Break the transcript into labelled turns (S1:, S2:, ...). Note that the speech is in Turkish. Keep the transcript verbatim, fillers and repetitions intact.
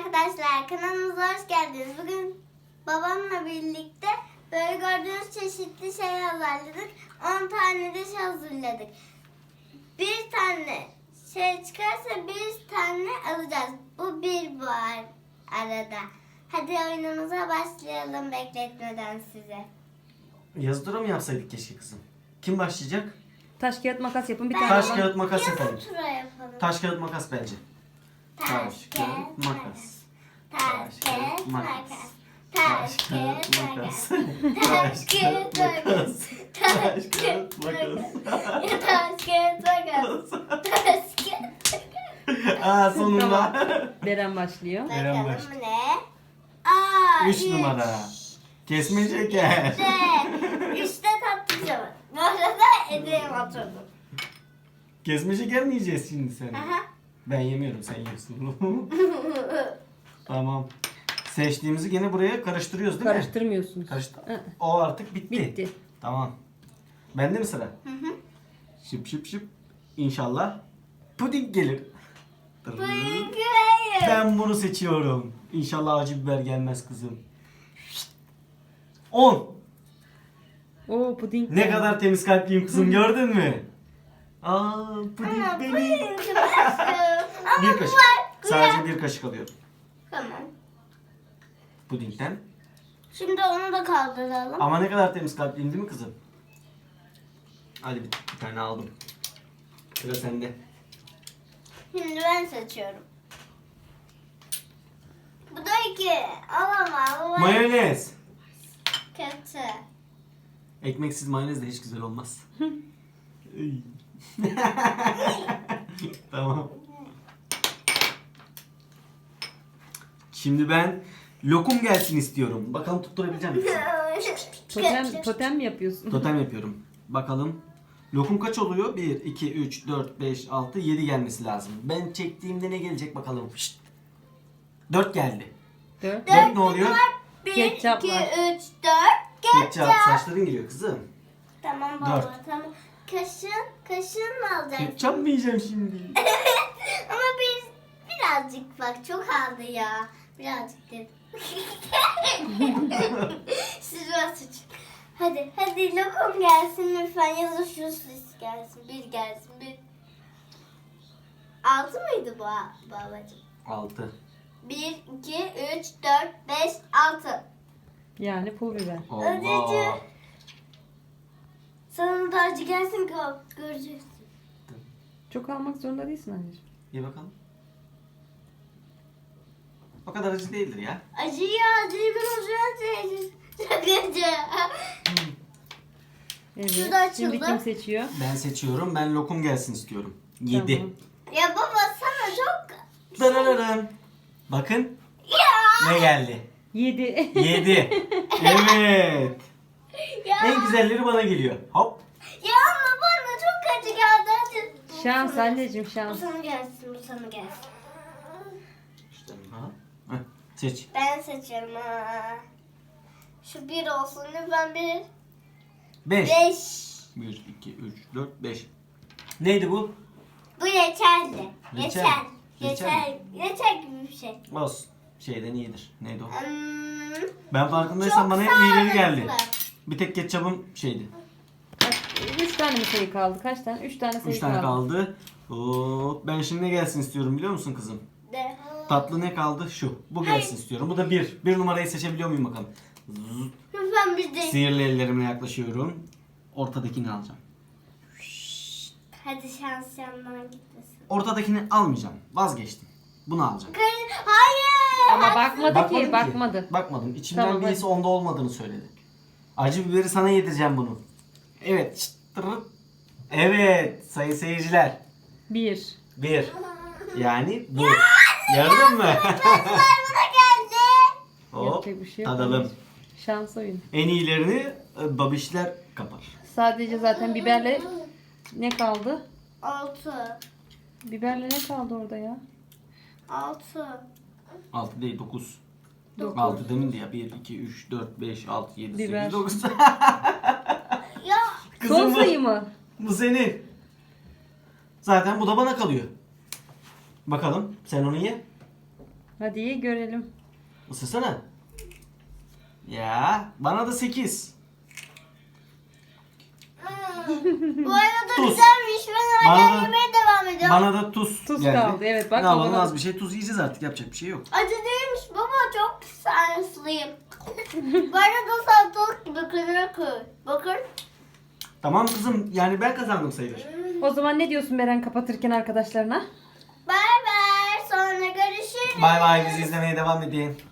S1: arkadaşlar, kanalımıza hoş geldiniz. Bugün babamla birlikte böyle gördüğünüz çeşitli şey hazırladık. on tane de şey hazırladık. Bir tane şey çıkarsa bir tane alacağız. Bu bir var arada. Hadi oyunumuza başlayalım bekletmeden size.
S2: Yazı tura mı yapsaydık keşke kızım? Kim başlayacak?
S3: Taş kağıt makas yapın bir
S1: Ben-
S3: tane.
S2: Taş
S3: var.
S2: kağıt makas
S1: Yazı
S2: yapalım.
S1: tura yapalım.
S2: Taş kağıt makas bence.
S1: Taş,
S2: kağıt, makas.
S1: Taş, kağıt, makas. Taş,
S2: Taş
S1: kağıt,
S2: kağıt
S1: makas.
S2: makas.
S1: Taş, kağıt, makas.
S2: Taş kağıt makas.
S1: Ya taş, kağıt, makas. Taş, kağıt, makas.
S2: Aa sonunda.
S3: Beren başlıyor.
S2: Eren
S1: Bakalım
S2: başla.
S1: ne? Aa,
S2: Üç numara. Kesme şeker.
S1: Üçte, üçte tatlıcı var. Bu arada edeğim oturdum.
S2: Kesme şeker mi yiyeceğiz şimdi sen?
S1: Aha.
S2: Ben yemiyorum, sen yiyorsun. Tamam. Seçtiğimizi gene buraya karıştırıyoruz değil mi?
S3: Karıştırmıyorsunuz.
S2: Karıştı.
S3: Hı.
S2: O artık bitti.
S3: Bitti.
S2: Tamam. Bende mi sıra?
S1: Hı hı.
S2: Şıp şıp şıp. İnşallah puding gelir.
S1: Buyurun güvenim.
S2: Ben bunu seçiyorum. İnşallah acı biber gelmez kızım. on.
S3: Oo puding.
S2: Ne kadar temiz kalpliyim kızım, gördün mü? Aa, puding
S1: Ama
S2: benim.
S1: buyurun güvenim. Ama
S2: Bir
S1: bu
S2: kaşık.
S1: var.
S2: Sadece bir kaşık alıyorum.
S1: Tamam.
S2: Pudingden.
S1: Şimdi onu da kaldıralım.
S2: Ama ne kadar temiz kalpliyim değil mi kızım? Hadi bir, bir tane aldım. Sıra sende.
S1: Şimdi ben seçiyorum. Bu da iki. Alamam. Bu
S2: Mayonez.
S1: kötü.
S2: Ekmeksiz mayonez de hiç güzel olmaz. Iy. Tamam. Şimdi ben lokum gelsin istiyorum. Bakalım tutturabileceğim misin?
S3: Totem, totem mi yapıyorsun?
S2: Totem yapıyorum. Bakalım. Lokum kaç oluyor? bir, iki, üç, dört, beş, altı, yedi gelmesi lazım. Ben çektiğimde ne gelecek bakalım. Şşt. dört geldi.
S3: Dört.
S2: dört ne oluyor?
S1: Bir,
S3: Ketçap
S1: iki,
S3: var.
S1: üç, dört.
S2: Ketçap.
S1: Ketçap.
S2: Saçların geliyor kızım.
S1: Tamam baba
S2: Dört.
S1: tamam. Kaşın, kaşın mı alacaksın?
S2: Ketçap mı yiyeceğim şimdi?
S1: Ama bir, birazcık bak çok aldı ya. Birazcık dedim. Siz biraz suç. Hadi hadi lokum gelsin lütfen ya da şu sis gelsin. Bir gelsin bir. Altı mıydı bu babacığım?
S2: altı.
S1: Bir, iki, üç, dört, beş, altı.
S3: Yani pul biber.
S2: Allah.
S1: Sana da acı gelsin kal. Göreceksin.
S3: Çok almak zorunda değilsin anneciğim.
S2: İyi bakalım. O kadar acı değildir ya.
S1: Acı ya acıyı ben olacağım. Çok acı.
S3: Evet.
S1: Şurada açıldı.
S3: Şimdi kim seçiyor?
S2: Ben seçiyorum. Ben lokum gelsin istiyorum. yedi.
S3: Tamam.
S1: Ya baba sana çok...
S2: Darararım. Bakın
S1: Ya.
S2: ne geldi.
S3: Yedi.
S2: yedi. Evet.
S1: Ya.
S2: En güzelleri bana geliyor. Hop.
S1: Ya ama bana çok acı geldi. Hadi. Bu
S3: Şans
S1: sana-
S3: anneciğim
S1: Bu
S3: şans.
S1: sana gelsin, bu sana gelsin.
S2: İşte, ha. Heh, seç.
S1: Ben seçiyorum ha. Şu bir olsun lütfen bir.
S2: beş.
S1: Beş.
S2: bir, iki, üç, dört, beş. Neydi bu?
S1: Bu yeterli.
S2: Reçel.
S1: Yeter.
S2: Reçel.
S1: Yeter. Yeter gibi bir şey.
S2: Olsun. Şeyden iyidir. Neydi o?
S1: Hmm,
S2: Ben farkındaysan
S1: çok
S2: bana hep iyileri geldi.
S1: sağlıklı.
S2: Bir tek ketçabım şeydi.
S3: Kaç, üç tane mi sayı kaldı? Kaç tane? Üç tane sayı
S2: Üç tane
S3: kaldı.
S2: kaldı. Hop. Ben şimdi ne gelsin istiyorum biliyor musun kızım?
S1: De.
S2: Tatlı ne kaldı? Şu. Bu gelsin istiyorum. Bu da bir. Bir numarayı seçebiliyor muyum bakalım? Zzz.
S1: Lütfen bir de.
S2: Sihirli ellerimle yaklaşıyorum. Ortadakini alacağım.
S1: Hadi şans yandan gitmesin.
S2: Ortadakini almayacağım. Vazgeçtim. Bunu alacağım.
S1: Kar- Hayır.
S3: Ama bakmadı
S2: Bakmadın
S3: ki, bakmadı.
S2: Bakmadım. İçimden
S3: Tamam,
S2: birisi onda olmadığını söyledi. Acı biberi sana yedireceğim bunu. Evet. Şşt, tırırt. Evet. Sayın seyirciler.
S3: Bir.
S2: Bir. Yani bu. Gördün mü?
S1: Bana geldi.
S2: Hop.
S3: Yapacak bir şey yok.
S2: Tadalım.
S3: Şans oyun.
S2: En iyilerini e, babişler kapar.
S3: Sadece zaten biberle ne kaldı?
S1: Altı.
S3: Biberle ne kaldı orada ya?
S1: Altı.
S2: altı değil dokuz.
S3: Dokuz.
S2: altı demindi ya. bir, iki, üç, dört, beş, altı, yedi,
S3: Biber.
S2: sekiz, dokuz.
S1: Ya.
S2: Kızım
S3: Son
S2: bu-
S3: sayı mı?
S2: Bu senin. Zaten bu da bana kalıyor. Bakalım sen onu ye.
S3: Hadi iyi görelim.
S2: Isırsana. Ya bana da sekiz.
S1: Bu arada
S2: Tuz.
S1: güzelmiş. Ben
S2: Bana
S1: hala
S2: da-
S1: yemeye devam ediyorum.
S2: Bana da tuz,
S3: Tuz
S2: geldi.
S3: kaldı, evet, bak
S2: Ne yapalım,
S3: babana-
S2: az bir şey tuz yiyeceğiz artık, yapacak bir şey yok.
S1: Acı değilmiş baba, çok sarıslıyım. Bu arada salatalık gibi kıvır kıvır. Bakın.
S2: Tamam kızım, yani ben kazandım sayılır.
S3: O zaman ne diyorsun Beren kapatırken arkadaşlarına?
S1: Bay bay. Sonra görüşürüz.
S2: Bay bay, bizi izlemeye devam edin.